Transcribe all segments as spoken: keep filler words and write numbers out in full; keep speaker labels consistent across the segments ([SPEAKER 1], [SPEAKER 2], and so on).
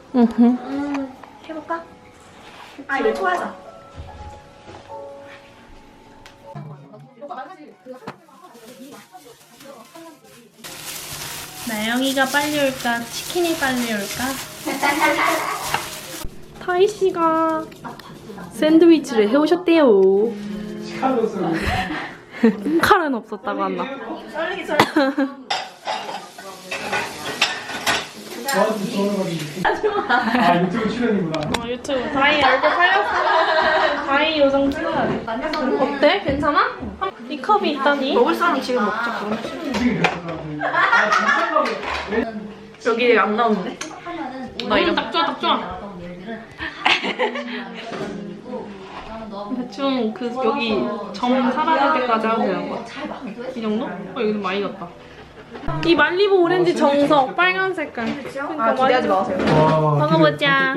[SPEAKER 1] 응.
[SPEAKER 2] 음, 해볼까? 아, 이거 토하자.
[SPEAKER 1] 나영이가 빨리 올까? 치킨이 빨리 올까? 타이 씨가 샌드위치를 해오셨대요. 칼은 없었다고 한다.
[SPEAKER 2] 썰리기 썰리기.
[SPEAKER 3] 아 유튜브 출연이구나.
[SPEAKER 1] 어, 유튜브 다이 얼굴 팔렸어. 다이 요정 찍어야 돼. 어때? 괜찮아? 이 컵이 있다니?
[SPEAKER 2] 먹을 사람 지금 먹자. 그럼. 여기 안 나오는데?
[SPEAKER 1] 나 이거 딱 좋아, 딱 좋아. 대충 그 여기 점 사라질 때까지 하고 그냥 거. 이 정도? 어 여기는 많이 났다. 이 말리부 오렌지 정석 빨간 색깔. 그러니까
[SPEAKER 2] 아, 기대하지 마세요.
[SPEAKER 3] 와.
[SPEAKER 1] 먹어보자.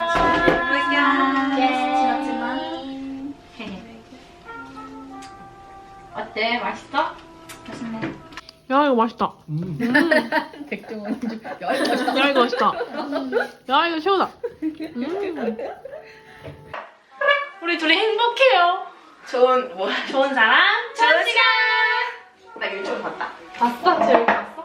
[SPEAKER 2] 어때? 맛있어?
[SPEAKER 1] 야 이거 맛있다.
[SPEAKER 3] 음.
[SPEAKER 2] 백종원.
[SPEAKER 1] 야 이거 맛있다. 야 이거 최고다. 음. 우리 둘이 행복해요.
[SPEAKER 2] 좋은 뭐?
[SPEAKER 1] 좋은 사람, 좋은 시간.
[SPEAKER 2] 나 유튜브 봤다.
[SPEAKER 1] 봤어? 재밌게 봤어?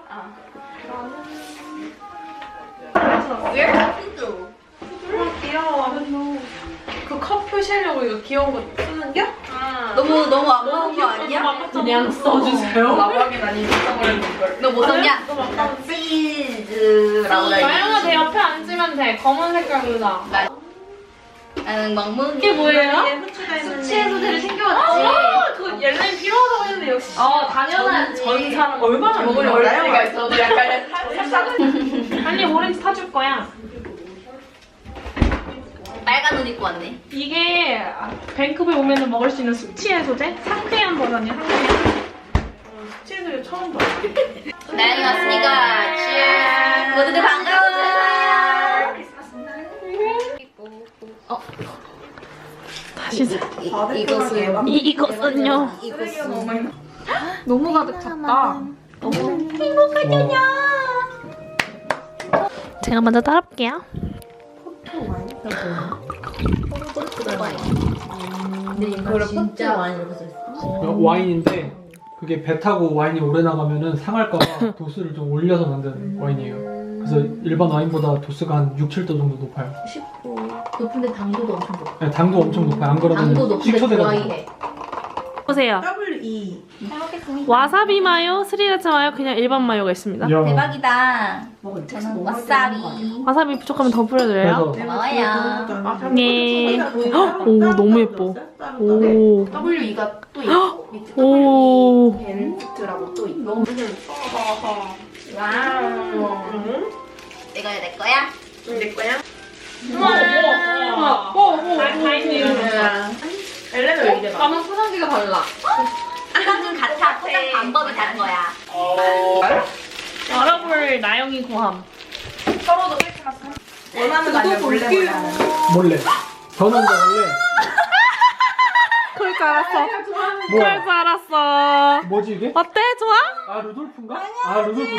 [SPEAKER 2] 왜? 푸드.
[SPEAKER 1] 귀여워. 그 컵 표시하려고 이거 귀여운 거 쓰는 게?
[SPEAKER 2] 너무 너무 안 먹은 거 아니야?
[SPEAKER 1] 그냥 써주세요.
[SPEAKER 2] 라방에 많이 써버리는 걸. 너 뭐 썼냐?
[SPEAKER 1] 너무 아까운
[SPEAKER 2] 치즈라고 나
[SPEAKER 1] 나영아 내 옆에 앉으면 돼. 검은 색깔로 나.
[SPEAKER 2] 나는 먹먹이.
[SPEAKER 1] 이게 뭐예요?
[SPEAKER 2] 수치의 소재를 챙겨왔지.
[SPEAKER 1] 아, 그거 옐렌 필요하다고 했는데 역시.
[SPEAKER 2] 어, 당연하지.
[SPEAKER 1] 전 사람 얼마나
[SPEAKER 2] 먹으려고 나영아 있어도 약간 살짝
[SPEAKER 1] 빨리 오렌지 타줄 거야.
[SPEAKER 2] 빨간 옷 입고 왔네.
[SPEAKER 1] 이게 밴쿠버에 오면 먹을 수 있는 숙취 해소제? 상쾌한 버전이야, 상쾌한. 숙취 해소제 처음 봐.
[SPEAKER 2] 나영이 왔으니까 cheers. 모두들 반가워. 어.
[SPEAKER 1] 다시 사.
[SPEAKER 2] 이것은
[SPEAKER 1] 이, 이것은요.
[SPEAKER 2] 이것은
[SPEAKER 1] 너무 가득 찼다.
[SPEAKER 2] 너무 행복하군요.
[SPEAKER 1] 제가 먼저 따라볼게요.
[SPEAKER 2] 근데 이거를 진짜 많이 이렇게 써있어.
[SPEAKER 3] 와인인데 그게 배 타고 와인이 오래 나가면은 상할까봐 도수를 좀 올려서 만든 와인이에요. 그래서 일반 와인보다 도수가 한 육, 칠 도 정도 높아요.
[SPEAKER 2] 쉽고 높은데 당도도 엄청 높아.
[SPEAKER 3] 네, 당도 엄청 높아요. 안
[SPEAKER 2] 당도
[SPEAKER 3] 그러면
[SPEAKER 2] 높은데
[SPEAKER 3] 식초대가
[SPEAKER 2] 좋아해.
[SPEAKER 1] 보세요.
[SPEAKER 4] 더블유 이.
[SPEAKER 2] 잘 먹겠습니다.
[SPEAKER 1] 와사비 마요, 스리라차 마요, 그냥 일반 마요가 있습니다.
[SPEAKER 3] 야,
[SPEAKER 2] 대박이다.
[SPEAKER 4] 먹을 때
[SPEAKER 2] 저는 와사비.
[SPEAKER 1] 와사비 부족하면 더 뿌려드려요.
[SPEAKER 3] 그래서
[SPEAKER 2] 고마워요.
[SPEAKER 1] 네. 오, 너무 예뻐. 오.
[SPEAKER 2] 더블유 이가 또 있고 밑에
[SPEAKER 1] 오.
[SPEAKER 2] 더블유 벤트라고 또 있고. 너무 와우. 내가 내 거야? 내 거야?
[SPEAKER 1] 우와. 오, 오, 다 있네요.
[SPEAKER 2] 엘레는 왜 이래? 나만 포장지가 달라. 포장지 같아. 포장 방법이 다른 거야.
[SPEAKER 1] 열어볼 나영이 고함.
[SPEAKER 2] 서로도 그렇게 갔어. 원하는 거 아니야? 몰래 몰래.
[SPEAKER 3] 몰래. 저는 원래
[SPEAKER 1] 그럴 줄 알았어. 그럴
[SPEAKER 3] 뭐야?
[SPEAKER 1] 줄 알았어.
[SPEAKER 3] 뭐지 이게?
[SPEAKER 1] 어때? 좋아?
[SPEAKER 3] 아 루돌프인가? 아 루돌프다.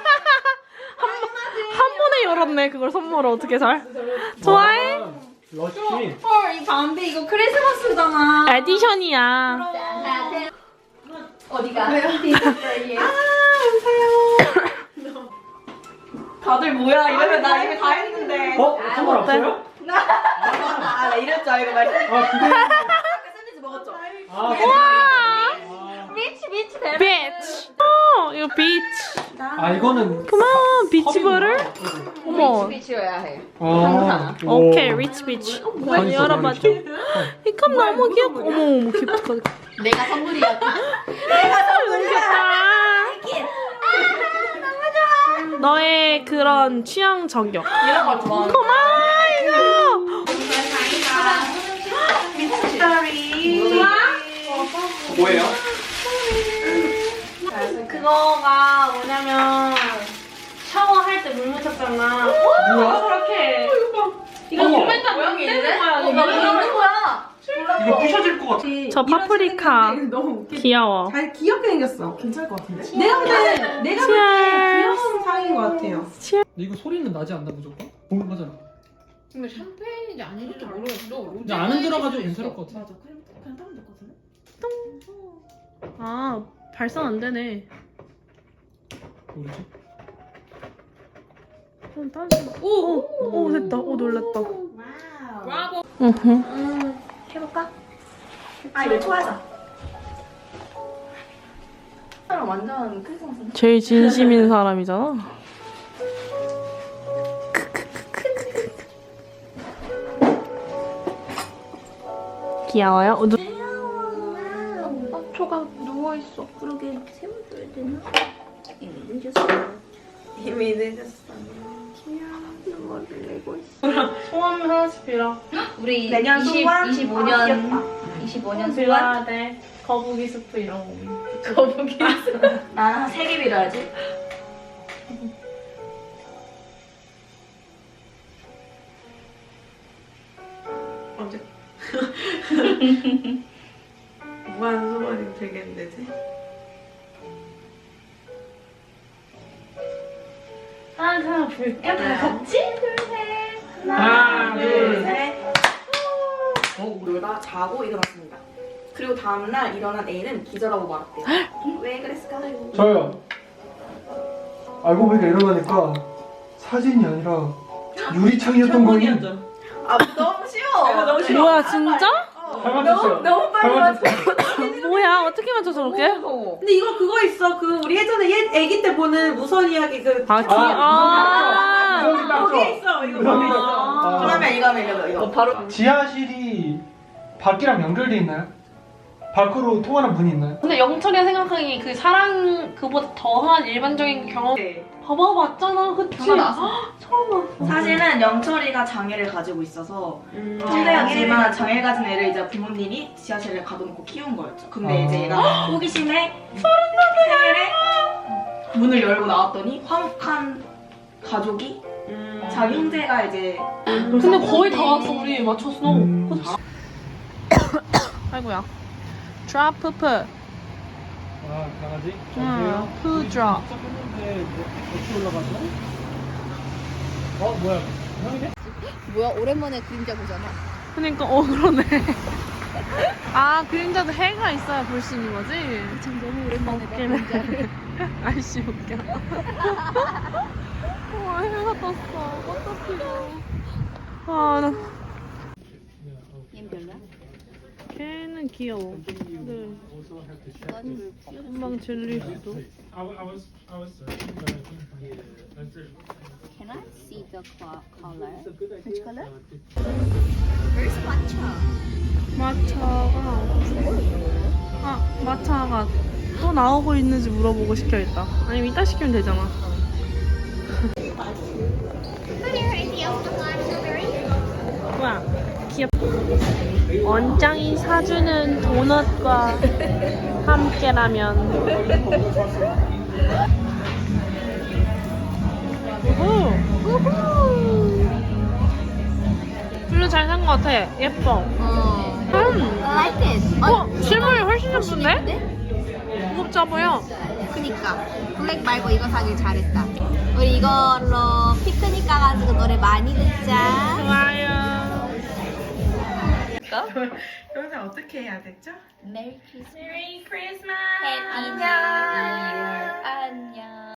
[SPEAKER 1] 한 번에 열었네. 그걸 선물을 어떻게 잘? 좋아해?
[SPEAKER 3] 아, 러쉬.
[SPEAKER 2] 헐, 이 담배 이거 크리스마스잖아.
[SPEAKER 1] 에디션이야.
[SPEAKER 2] 어디가?
[SPEAKER 4] 다들 뭐야 이러면 나 이미 다 했는데.
[SPEAKER 3] 어? 선물 없어요?
[SPEAKER 4] 아, 나 이럴 줄 알고 말.
[SPEAKER 3] 아 그게
[SPEAKER 4] 샌드위치 먹었죠?
[SPEAKER 3] 아
[SPEAKER 1] 와.
[SPEAKER 2] 미치 미치 대박.
[SPEAKER 1] 비치. 어, 이거 비치.
[SPEAKER 3] 아 이거는
[SPEAKER 1] 그만 비치버를? 어머.
[SPEAKER 2] 미치여야 해.
[SPEAKER 3] 아,
[SPEAKER 1] 오케이, 리치 비치.
[SPEAKER 3] 다
[SPEAKER 1] 빨리
[SPEAKER 3] 있어, 다
[SPEAKER 1] 열어봐줘.
[SPEAKER 3] 있어.
[SPEAKER 1] 이 컵 너무 귀엽고. 어머, 어머, 귀엽다.
[SPEAKER 2] 내가 선물이야.
[SPEAKER 1] 너무 귀엽다. 너의 그런 취향 저격.
[SPEAKER 2] 이런 걸 좋아하는.
[SPEAKER 1] 고마워.
[SPEAKER 3] 뭐예요?
[SPEAKER 1] 그거가 뭐냐면 샤워할 때 물 묻혔잖아.
[SPEAKER 3] 뭐야?
[SPEAKER 1] 저렇게. 이거
[SPEAKER 3] 어머.
[SPEAKER 1] 몸에다 모양이 있는 거야.
[SPEAKER 2] 어, 나 모르는 거야.
[SPEAKER 3] 이거 부셔질 것 같아.
[SPEAKER 1] 저 파프리카.
[SPEAKER 4] 너무 웃겨.
[SPEAKER 1] 귀여워.
[SPEAKER 4] 잘 귀엽게 생겼어. 괜찮을 것 같은데? 내가 볼 때, 내가 볼 때
[SPEAKER 1] Cheers.
[SPEAKER 4] 귀여운 상인 것 같아요.
[SPEAKER 3] 이거 소리는 나지 않나 무조건? 보는 거잖아.
[SPEAKER 2] 근데 샴페인인지 아닌지도 모르겠어.
[SPEAKER 3] 근데 안은 들어가지고 괜찮을 것 같아.
[SPEAKER 4] 맞아. 그냥 그냥 따면 될 것 같은데?
[SPEAKER 1] 아 발산 안 되네.
[SPEAKER 3] 모르지?
[SPEAKER 1] 그럼 다시. 오, 오, 오 됐다. 오 놀랐다.
[SPEAKER 2] 와우.
[SPEAKER 1] 으흠.
[SPEAKER 2] 해볼까? 아 이거 좋아하자. 사람 완전 크리스마스.
[SPEAKER 1] 제일 진심인 사람이잖아. 귀여워요? 어, 누...
[SPEAKER 2] 어, 초가 누워있어. 그러게 세워줘야 되나? 이미 늦었어. 이미 늦었어. 귀여워. 눈물을 내고 있어.
[SPEAKER 1] 소원 하나씩 빌어.
[SPEAKER 2] 우리
[SPEAKER 4] 내년
[SPEAKER 2] 이십,
[SPEAKER 4] 소원?
[SPEAKER 2] 이십오
[SPEAKER 4] 아,
[SPEAKER 2] 년
[SPEAKER 4] 귀엽다.
[SPEAKER 2] 이십오 년 소원?
[SPEAKER 1] 빌어야 돼. 거북이 수프 이런 거. 거북이 수프.
[SPEAKER 2] 나는 세 개 빌어야지.
[SPEAKER 4] 언제? 무한 소원이 되겠는데, 지
[SPEAKER 1] 하나 볼까? 다 같이?
[SPEAKER 3] 하나,
[SPEAKER 4] 둘,
[SPEAKER 3] 둘,
[SPEAKER 4] 셋. 어, 우리가 자고 일어났습니다. 그리고 다음날 일어난 A는 기절하고 말았대요. 왜 그랬을까요?
[SPEAKER 3] 저요. 알고 보니까 일어나니까 사진이 아니라 유리창이었던 거니?
[SPEAKER 4] 아, 너무 쉬워. 이거 너무 쉬워.
[SPEAKER 1] 뭐야 진짜?
[SPEAKER 3] 잘 맞췄어요.
[SPEAKER 4] 너무 빨리
[SPEAKER 3] 잘 맞췄어요.
[SPEAKER 1] 뭐야 어떻게 맞춰 저렇게?
[SPEAKER 4] 근데 이거 그거 있어. 그 우리 예전에 옛 애기 때 보는 무선 이야기 그
[SPEAKER 1] 아, 기...
[SPEAKER 3] 아,
[SPEAKER 1] 아,
[SPEAKER 3] 거기 딱
[SPEAKER 4] 거기에
[SPEAKER 3] 써.
[SPEAKER 4] 있어. 이거 거기 있어.
[SPEAKER 3] 아.
[SPEAKER 4] 그러면 이거 하면 이거 이거.
[SPEAKER 2] 바로
[SPEAKER 3] 지하실이 밖이랑 연결돼 있나요? 밖으로 통하는 문이 있나요?
[SPEAKER 1] 근데 영철이가 생각하기에 그 사랑 그보다 더한 일반적인 경험 봐봐 맞잖아 그치?
[SPEAKER 2] 전화 나왔어.
[SPEAKER 1] 처음 봤어.
[SPEAKER 4] 사실은 영철이가 장애를 가지고 있어서
[SPEAKER 1] 음.
[SPEAKER 4] 천재였지만 장애 가진 애를 이제 부모님이 지하실에 가둬놓고 키운 거였죠. 근데
[SPEAKER 3] 아.
[SPEAKER 4] 이제 얘가 호기심에 생일에 문을 열고 나왔더니 화목한 가족이 자기 형제가 이제
[SPEAKER 1] 근데 거의 다 왔어 우리 맞췄어.
[SPEAKER 3] 음.
[SPEAKER 1] 그치? 아이고야. 드랍 푸프.
[SPEAKER 3] 아, 강아지?
[SPEAKER 1] 응, 푸 드랍.
[SPEAKER 3] 했는데 뭐 어떻게 올라가죠? 어, 뭐야? 형이네?
[SPEAKER 2] 뭐야 오랜만에 그림자 보잖아.
[SPEAKER 1] 그러니까 어 그러네. 아 그림자도 해가 있어야 볼 수 있는 거지?
[SPEAKER 2] 참 너무 오랜만에 봐
[SPEAKER 1] 웃기네.
[SPEAKER 2] 그림자를.
[SPEAKER 1] 아이씨 웃겨. 와 해가 떴어. 꽃도 피고. 아 나.
[SPEAKER 2] 얘는 별로야?
[SPEAKER 1] 걔는 귀여워. 네. 금방 질릴 수도.
[SPEAKER 2] Can I see the co- color? Which color? Where's matcha?
[SPEAKER 1] 마차가 아 마차가 또 나오고 있는지 물어보고 시켜야겠다. 아니면 이따 시키면 되잖아. 뭐야 귀엽다. 원장이 사주는 도넛과 함께라면. 우후 우후. 블루 잘 산 것 같아. 예뻐.
[SPEAKER 2] 어.
[SPEAKER 1] 음.
[SPEAKER 2] I like it.
[SPEAKER 1] 어 실물이 훨씬 예쁜데? 무겁지 보여.
[SPEAKER 2] 그니까 블랙 말고 이거 사길 잘했다. 우리 이걸로 피크닉 가가지고 노래 많이 듣자.
[SPEAKER 1] 좋아요.
[SPEAKER 4] 영상 어떻게 해야 되죠?
[SPEAKER 2] 메리 크리스마스.
[SPEAKER 1] 메리 크리스마스.
[SPEAKER 2] 해피 뉴 이어. 안녕.